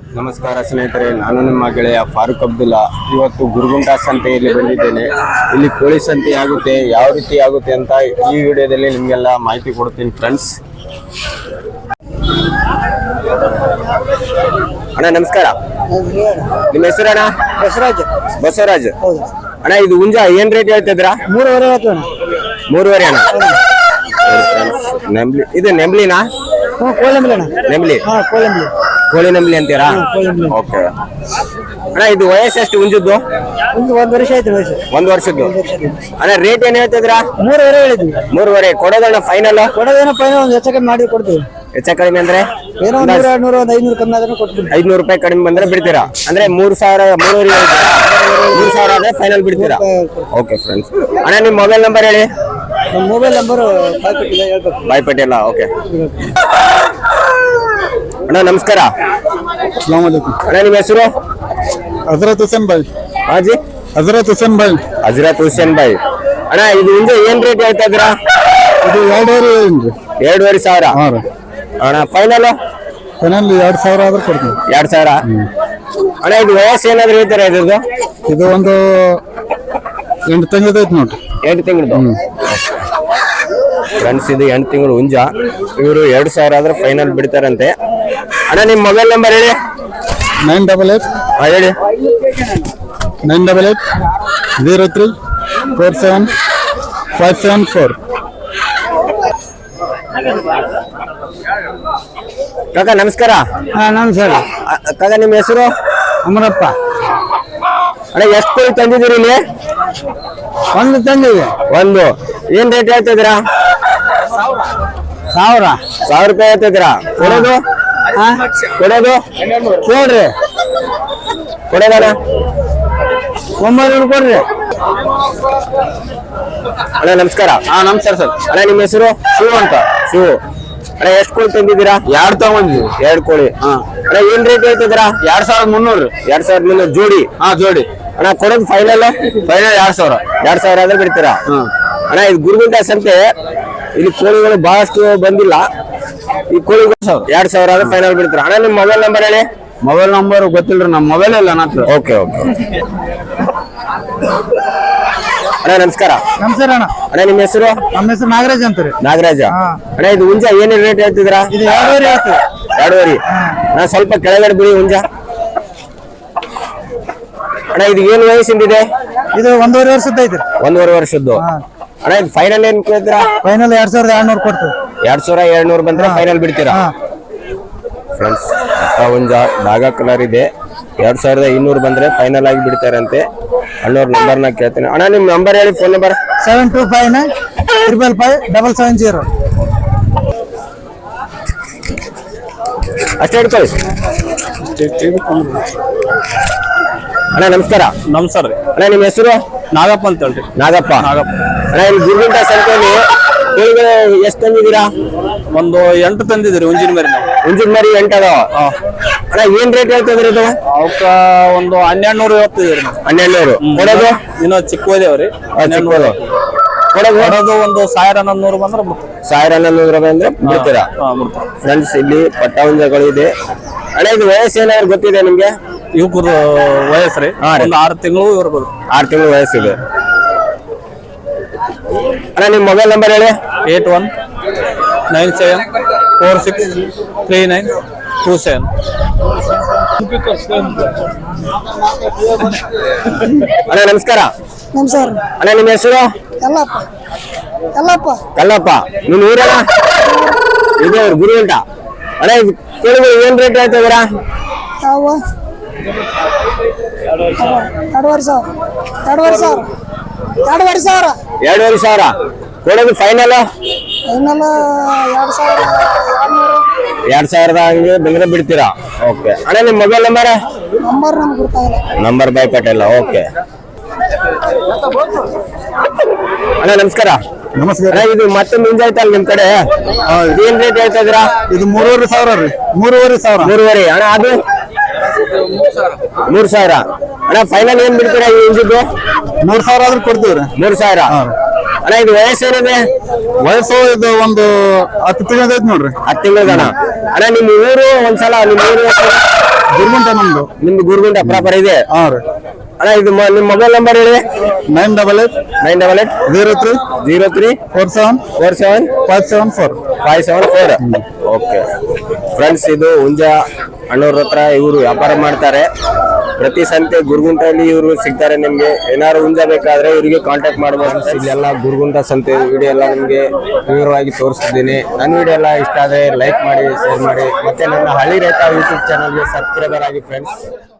ನಮಸ್ಕಾರ ಸ್ನೇಹಿತರೆ, ನಾನು ನಿಮ್ಮ ಗೆಳೆಯ ಫಾರೂಕ್ ಅಬ್ದುಲ್ಲಾ. ಇವತ್ತು ಗುರುಗುಂಟ ಸಂತೆಯಲ್ಲಿ ಬಂದಿದ್ದೇನೆ. ಇಲ್ಲಿ ಕೋಳಿ ಸಂತೆ ಆಗುತ್ತೆ, ಯಾವ ರೀತಿ ಆಗುತ್ತೆ ಅಂತ ಈ ವಿಡಿಯೋದಲ್ಲಿ ನಿಮಗೆಲ್ಲ ಮಾಹಿತಿ ಕೊಡ್ತೀನಿ ಫ್ರೆಂಡ್ಸ್. ಅಣ್ಣ ನಮಸ್ಕಾರ, ನಿಮ್ಮ ಹೆಸರು ಅಣ್ಣ? ಬಸವರಾಜ್. ಅಣ್ಣ ಇದು ಹುಂಜ ಏನ್ ರೇಟ್ ಹೇಳ್ತಿದ್ರಾ? 3.5 ಅಣ್ಣ. ನೆಂಬ್ಲಿ, ಇದು ನೆಂಬ್ಲಿನಾ? ನೆಂಬ್ಲಿ, ಕೋಳಿ ನಂಬ್ಲಿ ಅಂತೀರಾ? ಓಕೆ ಅಣ್ಣ, ಇದು ವಯಸ್ಸು ಎಷ್ಟು ಹುಂಜದ್ದು? 1 ವರ್ಷ ಆಯ್ತು ವಯಸ್ಸು. 1 ವರ್ಷದ್ದು. ಅಣ್ಣ ರೇಟ್ ಏನ್ ಹೇಳ್ತಿದ್ರಾ? 3.5 ಹೇಳಿದ್ವಿ. 3.5 ಕೊಡೋದಣ್ಣ? ಫೈನಲ್ ಕೊಡೋದೇನೋ ಫೈನಲ್ ಒಂದು ಹೆಚ್ಚು ಕಮ್ಮಿ ಮಾಡಿ ಕೊಡ್ತೀವಿ. ಹೆಚ್ಚ ಕಡಿಮೆ ಅಂದ್ರೆ ಏನೋ 100, 200, 500 ಕಮ್ಮಿ ಆದ್ರೂ ಕೊಡ್ತೀವಿ. 500 ರೂಪಾಯಿ ಕಡಿಮೆ ಬಂದ್ರೆ ಬಿಡ್ತೀರಾ? ಅಂದ್ರೆ 3,000, 3,000 ಆದ್ರೆ ಫೈನಲ್ ಬಿಡ್ತೀರಾ? Okay friends. ಅಣ್ಣ ನಿಮ್ಮ ಮೊಬೈಲ್ ನಂಬರ್ ಹೇಳಿ. ನಮ್ಮ ಮೊಬೈಲ್ ನಂಬರ್ ಬಾಯ್ ಪಟೇಲ. ಓಕೆ ಅಣ್ಣ ನಮಸ್ಕಾರ. ಅಸ್ಲಾಂ ವಲೈಕುಂ. ಅಣ್ಣ ನಿಮ್ಮ ಹೆಸರು? ಹಜರತ್ ಹುಸೇನ್ ಭಾಯ್. ಹಾಜಿ ಹಜರತ್ ಹುಸೇನ್ ಭಾಯ್. ಹಜರತ್ ಹುಸೇನ್ ಭಾಯ್. ಅಣ್ಣ ಇದು ಹಿಂದೆ ಏನ್ ರೇಟ್ ಹೇಳ್ತಾ ಇದ್ದೀರಾ? ಇದು 2,500. ಅಣ್ಣ ಫೈನಲ್? ಫೈನಲ್ 2,000 ಆದ್ರೆ ಕೊಡ್ತೀವಿ. 2,000. ಅಣ್ಣ ಇದು ವಯಸ್ಸು ಏನಾದ್ರು ಹೇಳ್ತಾರ ಇದ್ರದ್ದು? ಇದು ಒಂದು 8 ತಿಂಗಳದೈತಿ ನೋಡ್ರಿ. 8 ತಿಂಗಳದು ಫ್ರೆಂಡ್ಸ್. ಇದು 8 ತಿಂಗಳು ಹುಂಜ. ಇವರು 2,000 ಆದ್ರೆ ಫೈನಲ್ ಬಿಡ್ತಾರಂತೆ. ಅಣ್ಣ ನಿಮ್ಮ ಮೊಬೈಲ್ ನಂಬರ್ ಹೇಳಿ. 988. ಹೇಳಿ. 988 03 47 574. ಕಾಕ ನಮಸ್ಕಾರ. ನಮಸ್ಕಾರ. ಕಾಕ ನಿಮ್ಮ ಹೆಸರು? ಅಮರಪ್ಪ. ಅಣ್ಣ ಎಷ್ಟು ಕೋಳಿ ತಂದಿದ್ದೀರಿ ಇಲ್ಲಿ? ಒಂದು ತಂದಿದೆ. ಒಂದು ಏನ್ ರೇಟ್ ಹೇಳ್ತಿದ್ದೀರಾ? 1,000 ರೂಪಾಯಿ ಹೇಳ್ತಿದ್ದೀರಾ? ಕೊಡೋದು ನೋಡ್ರಿ, ಕೊಡೋದಣ್ಣ 900 ಕೊಡ್ರಿ. ಅಣ್ಣ ನಮಸ್ಕಾರ. ನಮಸ್ಕಾರ ಸರ್. ಅಣ್ಣ ನಿಮ್ಮ ಹೆಸರು? ಶಿವ ಅಂತ. ಶಿವ. ಅಣ್ಣ ಎಷ್ಟು ಕೋಳಿ ತಂದಿದ್ದೀರಾ? 2 ತಗೊಂಡಿದ್ವಿ. 2 ಕೋಳಿ. ಅಣ್ಣ ಏನ್ ರೇಟ್ ಹೇಳ್ತಿದ್ದೀರಾ? 2,300. 2,300 ಜೋಡಿ? ಜೋಡಿ. ಅಣ್ಣ ಕೊಡೋದು ಫೈನಲ್? ಫೈನಲ್ 2,000. 2,000 ಆದ್ರೆ ಬಿಡ್ತೀರಾ? ಅಣ್ಣ ಇದು ಗುರುಗುಂಟ ಸಂತೆ, ಇಲ್ಲಿ ಕೋಳಿಗಳು ಬಹಳಷ್ಟು ಬಂದಿಲ್ಲ. ಈ ಕೋಳಿಗಳು 2,000 ಆದ್ರೆ ಫೈನಲ್ ಬಿಡ್ತೀರಾ? ಅಣ್ಣ ನಿಮ್ಮ ಮೊಬೈಲ್ ನಂಬರ್ ಹೇಳಿ. ಮೊಬೈಲ್ ನಂಬರ್ ಗೊತ್ತಿಲ್ರಿ, ನಮ್ಮ ಮೊಬೈಲ್ ಇಲ್ಲ ನನ್ನ ಹತ್ರ. ಓಕೆ ಅಣ್ಣ ನಮಸ್ಕಾರ. ನಮಸ್ಕಾರ ಅಣ್ಣ. ಅಣ್ಣ ನಿಮ್ಮ ಹೆಸರು? ನಮ್ಮ ಹೆಸರು ನಾಗರಾಜ್ ಅಂತಾರೆ. ನಾಗರಾಜ. ಅಣ್ಣ ಇದು ಹುಂಜ ಏನ್ ರೇಟ್ ಹೇಳ್ತಿದ್ರಾ? ಇದು 2.5 ಆಯ್ತು. 2.5. ಅಣ್ಣ ಸ್ವಲ್ಪ ಕೆಳಗಡೆ ಬಿಡಿ ಹುಂಜ. ಅಣ್ಣ ಇದು ಏನು ವಯಸ್ಸಿಂದಿದೆ? ಇದು 1.5 ವರ್ಷದ ಐತ್ರಿ. 1.5 ವರ್ಷದ್ದು. ಅಣ್ಣ ಇದು ಫೈನಲ್ ಏನ್ ಕೇಳ್ತೀರಾ? ಫೈನಲ್ 2,200 ಕೊಡ್ತೀವಿ. 2,200 ಬಂದ್ರೆ ಫೈನಲ್ ಬಿಡ್ತೀರಾ? ಫ್ರೆಂಡ್ಸ್ ಹುಂಜ ಡಾಗಾ ಕಲರ್ ಇದೆ. 2,200 ಬಂದ್ರೆ ಫೈನಲ್ ಆಗಿ ಬಿಡ್ತಾರಂತೆ. ಅಣ್ಣವ್ರ ನಂಬರ್ನ ಕೇಳ್ತೀನಿ. ಅಣ್ಣ ನಿಮ್ ನಂಬರ್ ಹೇಳಿ, ಫೋನ್ ನಂಬರ್. 725 555 770. ಅಷ್ಟೇ ಹಿಡ್ಕೊಳ್ಳಿ. ಅಣ್ಣ ನಮಸ್ಕಾರ. ನಮಸ್ಕಾರ ರೀ. ಅಣ್ಣ ನಿಮ್ಮ ಹೆಸರು? ನಾಗಪ್ಪ ಅಂತ ಹೇಳ್ರಿ. ನಾಗಪ್ಪ. ಅಣ್ಣ ಇಲ್ಲಿ ಗುರುಗುಂಟ ಸಂತೆಯಲ್ಲಿ ಕೋಳಿಗಳು ಎಷ್ಟು ತಂದಿದ್ದೀರಾ? ಒಂದು 8 ತಂದಿದ್ರಿ ಹುಂಜಿನ ಮರಿ. ಹುಂಜಿನ ಮರಿ 8 ಅದಾವ. ಅಣ್ಣ ಏನ್ ರೇಟ್ ಹೇಳ್ತಿದ್ರಿ ಇದು? ಅವಕ್ಕ ಒಂದು 1,200 ಹೇಳ್ತಿದ್ರಿ. 1,200. ಕೊಡೋದು ಇನ್ನೂ ಚಿಕ್ಕದೇವ್ರಿ. ಕೊಡೋದು ಒಂದು 1,100 ಬಂದ್ರೆ 1,100 ರೂಪಾಯಿ ಅಂದ್ರೆ ಬಿಡ್ತೀರಾ? ಫ್ರೆಂಡ್ಸ್ ಇಲ್ಲಿ ಪಟ್ಟ ಹುಂಜಗಳು ಇದೆ. ಅಣ್ಣ ಇದು ವಯಸ್ಸು ಏನಾದ್ರು ಗೊತ್ತಿದೆ ನಿಮ್ಗೆ? ಇವಕ್ಕೂ ವಯಸ್ಸು ರೀ ಒಂದು 6 ತಿಂಗಳು ಇರ್ಬೋದು. 6 ತಿಂಗಳು ವಯಸ್ಸಿದೆ. ಅಣ್ಣ ನಿಮ್ಮ ಮೊಬೈಲ್ ನಂಬರ್ ಹೇಳಿ. 8197463927. ಅಣ್ಣ ನಮಸ್ಕಾರ. ನಮಸ್ಕಾರ. ಅಣ್ಣ ನಿಮ್ಮ ಹೆಸರು? ಕಲ್ಲಪ್ಪ. ನಿಮ್ ಊರಣ್ಣ? ಇದು ಗುರುಗುಂಟ. ಅಣ್ಣ ಇದು ಕೋಳಿಗಳು ಏನ್ ರೇಟ್ ಹೇಳ್ತಾ ಇದೀರಾ? 2,500. ಕೊಡೋದು ಫೈನಲ್? 2,000 ಹಂಗೆ ಬಂದ್ರೆ ಬಿಡ್ತೀರಾ? ಓಕೆ ಅಣ್ಣ ನಿಮ್ಮ ಮೊಬೈಲ್ ನಂಬರ್? ನಂಬರ್ ಬಾಯ್ ಪಟೇಲ. ಓಕೆ ಅಣ್ಣ ನಮಸ್ಕಾರ. ನಮಸ್ಕಾರ. ಇದು ಮತ್ತೆ ಮುಂಜಾಯ್ತಲ್ಲ ನಿಮ್ ಕಡೆ, ಏನ್ ರೇಟ್ ಹೇಳ್ತಾ ಇದೀರಾ? ಇದು 3,500 ರೀ. 3,500. 3.5. ಅಣ್ಣ ಅದು 3,000. ಅಣ್ಣ ಫೈನಲ್ ಏನ್ ಬಿಡ್ತೀರಾ ಈ ಇಂಜಿದ್ದು? 3,000 ಆದ್ರೂ ಕೊಡ್ತೀವ್ರಿ. 3,000. ಅಣ್ಣ ಇದು ವಯಸ್ಸೇನಿದೆ? ವಯಸ್ಸು ಇದು ಒಂದು 10 ತಿಂಗಳ ಐತಿ ನೋಡ್ರಿ. 10 ತಿಂಗಳದಣ್ಣ. ಅಣ್ಣ ನಿಮ್ಮ ಊರು ಒಂದ್ಸಲ ನಿಮ್ಮ ಊರು ಗುರುಗುಂಟ ನಮ್ದು. ನಿಮ್ದು ಗುರುಗುಂಟ ಪ್ರಾಪರ್ ಇದೆ? ಹಾ ರೀ. ಅಣ್ಣ ಇದು ನಿಮ್ಮ ಮೊಬೈಲ್ ನಂಬರ್ ಹೇಳಿ. 988 03 47 574. ಓಕೆ ಫ್ರೆಂಡ್ಸ್, ಇದು ಹುಂಜ ಅಣ್ಣವ್ರ ಹತ್ರ ಇವರು ವ್ಯಾಪಾರ ಮಾಡ್ತಾರೆ. ಪ್ರತಿ ಸಂತೆ ಗುರುಗುಂಟಲ್ಲಿ ಇವರು ಸಿಗ್ತಾರೆ. ನಿಮ್ಗೆ ಏನಾದ್ರು ಹುಂಜ ಬೇಕಾದ್ರೆ ಇವರಿಗೆ ಕಾಂಟ್ಯಾಕ್ಟ್ ಮಾಡಬಹುದು. ಇಲ್ಲೆಲ್ಲ ಗುರುಗುಂಟ ಸಂತೆ ವಿಡಿಯೋ ಎಲ್ಲ ನಿಮ್ಗೆ ವಿವರವಾಗಿ ತೋರಿಸ್ತಿದ್ದೀನಿ. ನನ್ನ ವಿಡಿಯೋ ಎಲ್ಲ ಇಷ್ಟ ಆದ್ರೆ ಲೈಕ್ ಮಾಡಿ, ಶೇರ್ ಮಾಡಿ, ಮತ್ತೆ ನನ್ನ ಹಳ್ಳಿ ರೈತ ಯೂಟ್ಯೂಬ್ ಚಾನಲ್ಗೆ ಸಬ್ಸ್ಕ್ರೈಬರ್ ಆಗಿ ಫ್ರೆಂಡ್ಸ್.